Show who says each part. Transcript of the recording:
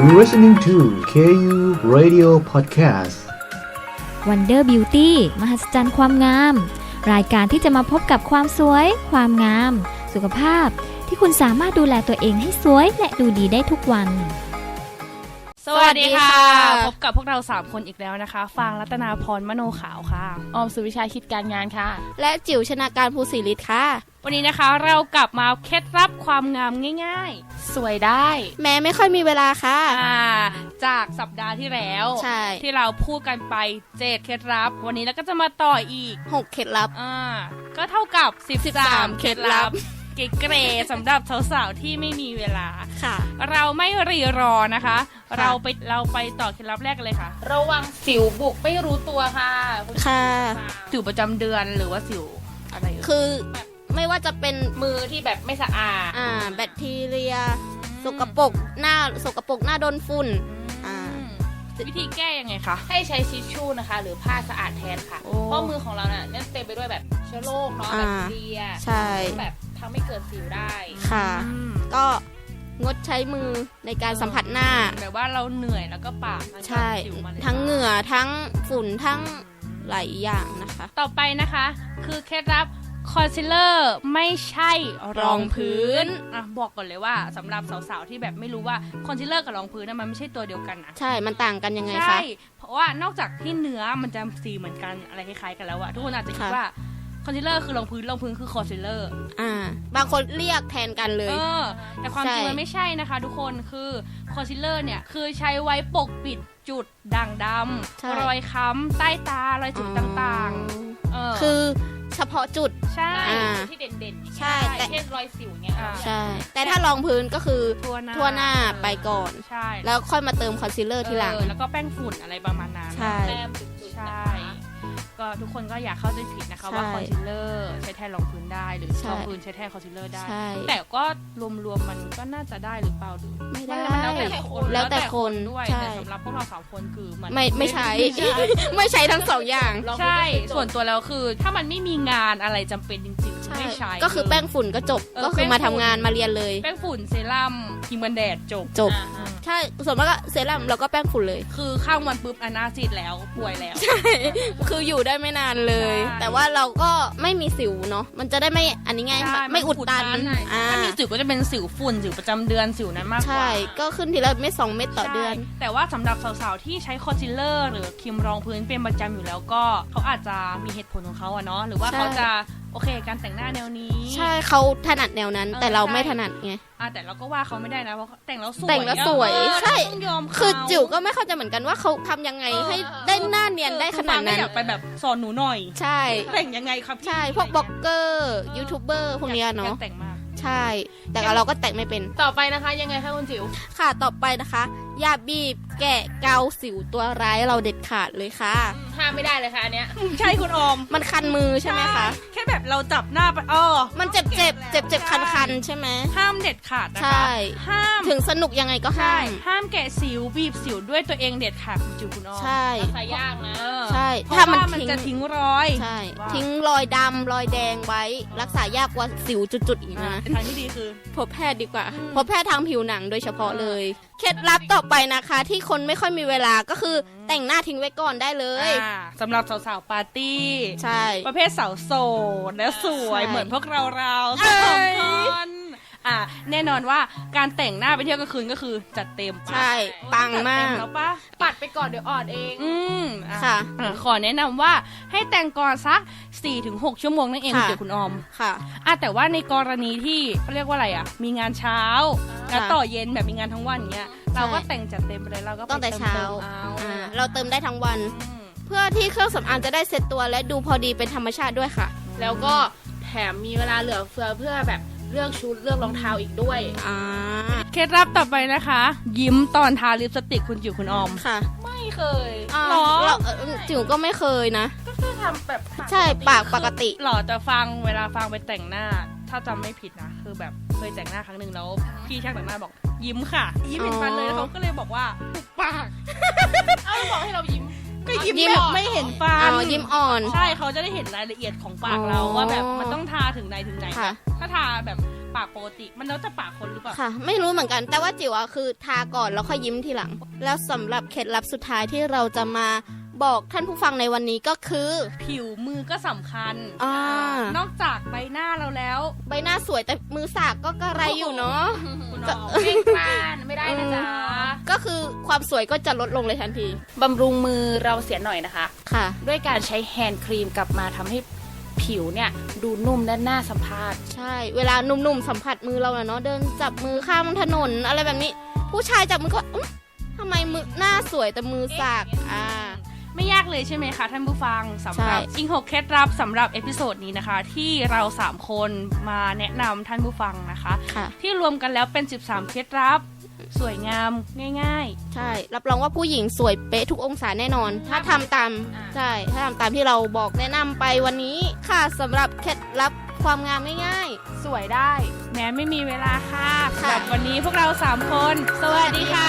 Speaker 1: You're listening to KU Radio Podcast
Speaker 2: Wonder Beauty มหัศจรรย์ความงามรายการที่จะมาพบกับความสวยความงามสุขภาพที่คุณสามารถดูแลตัวเองให้สวยและดูดีได้ทุกวัน
Speaker 3: สวัสดีค่ะพบกับพวกเรา3คนอีกแล้วนะคะฟางรัตนาพรมโนขาวค่ะ
Speaker 4: ออมสุวิชาคิดการงานค่ะ
Speaker 5: และจิ๋วชนาการภูศิริศค่ะ
Speaker 3: วันนี้นะคะเรากลับมาเคล็ดลับความงามง่าย
Speaker 4: ๆสวยได้
Speaker 5: แม้ไม่ค่อยมีเวลาค่ะ
Speaker 3: จากสัปดาห์ที่แล้วที่เราพูดกันไป7เคล็ดลับวันนี้เราก็จะมาต่ออีก
Speaker 5: 6เคล็ดลับ
Speaker 3: ก็เท่ากับ13เคล็ดลับเก๋ๆสำหรับสาวๆที่ไม่มีเวลา
Speaker 5: ค่ะ
Speaker 3: เราไม่รีรอนะคะเราไปต่อเคล็ดลับแรกกันเลยค่ะ
Speaker 4: ระวังสิวบุกไม่รู้ตัวค่ะ
Speaker 5: ค่ะ
Speaker 3: สิวประจำเดือนหรือว่าสิวอะไร
Speaker 5: คือไม่ว่าจะเป็น
Speaker 4: มือที่แบบไม่สะอาด
Speaker 5: แบคทีเรียสกปรกหน้าโดนฝุ่น
Speaker 3: วิธีแก้ยังไงคะ
Speaker 4: ให้ใช้ทิชชู่นะคะหรือผ้าสะอาดแทนค่ะเพราะมือของเราเนี่ยเต็มไปด้วยแบบเชื้อโรคเนาะแบคทีเรีย
Speaker 5: ใช่
Speaker 4: แบบทำให้เกิดสิวได้
Speaker 5: ค่ะก็งดใช้มือในการสัมผัสหน้า
Speaker 3: แบบว่าเราเหนื่อยแล้วก็ปาก
Speaker 5: ใช่ทั้งเหงื่อทั้งฝุ่นทั้งหลายอย่างนะคะ
Speaker 3: ต่อไปนะคะคือเคล็ดลับคอนซีลเลอร์ไม่ใช่รองพื้นบอกก่อนเลยว่าสำหรับสาวๆที่แบบไม่รู้ว่าคอนซีลเลอร์กับรองพื้นมันไม่ใช่ตัวเดียวกันนะ
Speaker 5: ใช่มันต่างกันยังไงคะ
Speaker 3: ใช่เพราะว่านอกจากที่เนื้อมันจะสีเหมือนกันอะไรคล้ายๆกันแล้วอะทุกคนอาจจะคิดว่าคอนซีลเลอร์คือรองพื้นคือคอนซีลเลอร์
Speaker 5: บางคนเรียกแทนกันเลย
Speaker 3: แต่ความจริงมันไม่ใช่นะคะทุกคนคือคอนซีลเลอร์เนี่ยคือใช้ไว้ปกปิดจุดด่างดำรอยค้ำใต้ตารอยจุดต่าง
Speaker 5: ๆคือเฉพาะจุด
Speaker 3: ใช่
Speaker 4: ที่เด่นๆ
Speaker 5: ใช่
Speaker 4: แต่เช่นรอยสิวเนี่ย
Speaker 5: ใช่แต่ถ้ารองพื้นก็คือทั่วหน้าไปก่อน
Speaker 3: ใช่
Speaker 5: แล้วค่อยมาเติมคอนซีลเลอร์ทีหลัง
Speaker 3: แล้วก็แป้งฝุ่นอะไรประมาณนั้น
Speaker 5: แต้
Speaker 4: มจุดๆ
Speaker 3: ใช่ก็ทุกคนก็อย่าเข้าใจผิดนะคะว่าคอนซีลเลอร์ใช้แทนรองพื้นได้หรือรองพื้นใช้แทนคอนซีลเลอร์ได้แต่ก็รวมๆมันก็น่าจะได้หรือเปล่าดู
Speaker 5: ไม่ได้
Speaker 3: แล้วแต่คนด้วยแต่สำหรับพวกเรา3คนคือมัน
Speaker 5: ไม่ใช้ไม่ใช้ทั้ง2อย่าง
Speaker 3: ใช่ส่วนตัวแล้วคือถ้ามันไม่มีงานอะไรจำเป็นจริงๆไม่ใช้
Speaker 5: ก็คือแป้งฝุ่นก็จบก็คือมาทำงานมาเรียนเลย
Speaker 3: แป้งฝุ่นเซรั่มครีมกันแดดจบ
Speaker 5: ใช่ส่วนมากก็เซรั่มแล้วก็แป้งฝุ่นเลย
Speaker 3: คือข้ามวันปุ๊บอนาซีดแล้วป่วยแล้ว
Speaker 5: ใช่คืออยู่ได้ไม่นานเลยแต่ว่าเราก็ไม่มีสิวเนาะมันจะได้ไม่อันนี้ไงไม่อุดตัน
Speaker 3: ถ้ามีสิวก็จะเป็นสิวฝุ่นสิวประจำเดือนสิวนั้นมากกว่า
Speaker 5: ใช่ก็ขึ้นทีละเม็ด2 เม็ดต่อเดือน
Speaker 3: แต่ว่าสำหรับสาวๆที่ใช้คอนซีลเลอร์หรือครีมรองพื้นเป็นประจำอยู่แล้วก็เขาอาจจะมีเหตุผลของเขาอะเนาะหรือว่าเขาจะโอเคการแต่งหน้าแนวนี้
Speaker 5: ใช่เขาถนัดแนวนั้นแต่เราไม่ถนัดไง
Speaker 3: แต่เราก็ว่าเขาไม่ได้นะเพราะแต่งแล้ว
Speaker 5: สวยใช่คือจิ๋วก็ไม่เข้าใจเหมือนกันว่าเขาทำยังไงให้ได้หน้าเนียนได้ขนาดนั้น
Speaker 3: อยากไปแบบสอนหนูหน่อย
Speaker 5: ใช่
Speaker 3: แต่งยังไงครับ
Speaker 5: ใช่พวกบล็อกเกอร์ยูทูบเบอร์พวกนี้เนาะ
Speaker 3: แต่งมาก
Speaker 5: ใช่แต่เราก็แต่งไม่เป็น
Speaker 4: ต่อไปนะคะยังไงคะคุณจิ๋ว
Speaker 5: ค่ะต่อไปนะคะอย่าบีบแกะเกาสิวตัวร้ายเราเด็ดขาดเลยค่ะ
Speaker 4: ห้ามไม่ได้เลยค่ะอันเนี้ย
Speaker 3: ใช่คุณออม
Speaker 5: มันคันมือใช่ไหมคะ
Speaker 3: แค่แบบเราจับหน้าไป
Speaker 5: มันเจ็บคันใช่ไหม
Speaker 3: ห้ามเด็ดขาดนะคะ
Speaker 5: ใช่
Speaker 3: ห้าม
Speaker 5: ถึงสนุกยังไงก็
Speaker 3: ห้ามแกะสิวบีบสิวด้วยตัวเองเด็ดขาดคุณจิ๋วคุณออม
Speaker 5: ใช่
Speaker 4: ใส่ยากนะ
Speaker 5: ใช่
Speaker 3: ถ้ามันจะทิ้งรอย
Speaker 5: ใช่ทิ้งรอยดำรอยแดงไว้รักษายากกว่าสิวจุดๆอีกนะ
Speaker 3: ทางที่ดีคือ
Speaker 5: พบแพทย์ดีกว่าพบแพทย์ทางผิวหนังโดยเฉพาะเลยเคล็ดลับต่อไปนะคะที่คนไม่ค่อยมีเวลาก็คือแต่งหน้าทิ้งไว้ก่อนได้เลย
Speaker 3: สำหรับสาวๆปาร์ตี้
Speaker 5: ใช่
Speaker 3: ประเภทสาวโสดและสวยเหมือนพวกเราสองคนแน่นอนว่าการแต่งหน้าไปเที่ยวกลางคืนก็คือจัดเต็ม
Speaker 5: ใช่ปังมาก
Speaker 3: แล้วปะ
Speaker 4: ปัดไปก่อนเดี๋ยวอ่อนเอง
Speaker 5: ค่ะ
Speaker 3: ขอแนะนำว่าให้แต่งก่อนสัก 4-6 ชั่วโมงนั่นเองเดี๋ยวคุณออม
Speaker 5: ค่ะ
Speaker 3: แต่ว่าในกรณีที่เขาเรียกว่าอะไรมีงานเช้าแล้วต่อเย็นแบบมีงานทั้งวันเงี้ยเราก็แต่งจัดเต็มไปเลยเราก็
Speaker 5: ตั้งแต่เช้าเราเติมได้ทั้งวันเพื่อที่เครื่องสำอางจะได้เซ็ตตัวและดูพอดีเป็นธรรมชาติด้วยค่ะ
Speaker 4: แล้วก็แถมมีเวลาเหลือเฟือเพื่อแบบเลือกชุดเลือกรองเท้าอีกด้วย
Speaker 3: เคล็ดลับต่อไปนะคะยิ้มตอนทาลิปสติกคุณจิ๋วคุณออม
Speaker 5: ค่ะ
Speaker 4: ไม่เคย
Speaker 5: หรอจิ๋วก็ไม่เคยนะ
Speaker 4: ก็แค่ทำแบบ
Speaker 5: ใช่ปากปกติ
Speaker 3: หรอแต่เวลาฟังไปแต่งหน้าถ้าจำไม่ผิดนะคือแบบเคยแต่งหน้าครั้งหนึ่งแล้วพี่ช่างแต่งหน้าบอกยิ้มค่ะยิ้มเห็นฟันเลยแล้วเขาก็เลยบอกว่าปุบปาก
Speaker 4: บอกให้เรายิ้ม
Speaker 3: ก็ยิ้มไม่เห็นฟัน
Speaker 5: ยิ้มอ่อน
Speaker 3: ใช่เขาจะได้เห็นรายละเอียดของปากเราว่าแบบมันต้องทาถึงไหนถ้าทาแบบปากปกติมันแล้วแต่ปากคนหรือเปล่า
Speaker 5: ค่ะ ไม่รู้เหมือนกันแต่ว่าจิ๋วอะคือทาก่อนแล้วค่อยยิ้มทีหลัง แล้วสำหรับเคล็ดลับสุดท้ายที่เราจะมาบอกท่านผู้ฟังในวันนี้ก็คือ
Speaker 3: ผิวมือก็สำคัญ
Speaker 5: น
Speaker 3: อกจากใบหน้าเราแล้ว
Speaker 5: ใบหน้าสวยแต่มือสากก็กระไรอยู่เนาะ
Speaker 4: คุณน้องเพ่งพลานไม่ได้นะจ๊ะ
Speaker 5: ก็คือความสวยก็จะลดลงเลยทันที
Speaker 4: บำรุงมือเราเสียหน่อยนะคะ
Speaker 5: ค่ะ
Speaker 4: ด้วยการใช้แฮนด์ครีมกลับมาทำให้ผิวเนี่ยดูนุ่มและน่าสัมผัส
Speaker 5: ใช่ เวลาหนุ่มๆสัมผัสมือเราเนาะเดินจับมือข้ามถนนอะไรแบบนี้ ผู้ชายจับมือก็ทำไมมือหน้าสวยแต่มือสาก
Speaker 3: ไม่ยากเลยใช่ไหมคะท่านผู้ฟังสำหรับ
Speaker 5: ใช่
Speaker 3: อิง6เคล็ดลับสำหรับเอพิโซดนี้นะคะ ที่เรา3คนมาแนะนำท่านผู้ฟังนะคะ
Speaker 5: ค่ะ
Speaker 3: ที่รวมกันแล้วเป็น13เคล็ดลับสวยงามง่าย
Speaker 5: ใช่รับรองว่าผู้หญิงสวยเป๊ะทุกองศาแน่นอน ถ้าทำตามใช่ถ้าทำตามที่เราบอกแนะนำไปวันนี้ค่ะสำหรับเคล็ดลับความงามง่าย
Speaker 4: สวยได้
Speaker 3: ๆ แม้ไม่มีเวลาค่ะ
Speaker 5: ค่ะ
Speaker 3: สำหรับวันนี้พวกเรา3คน สวัสดีค่ะ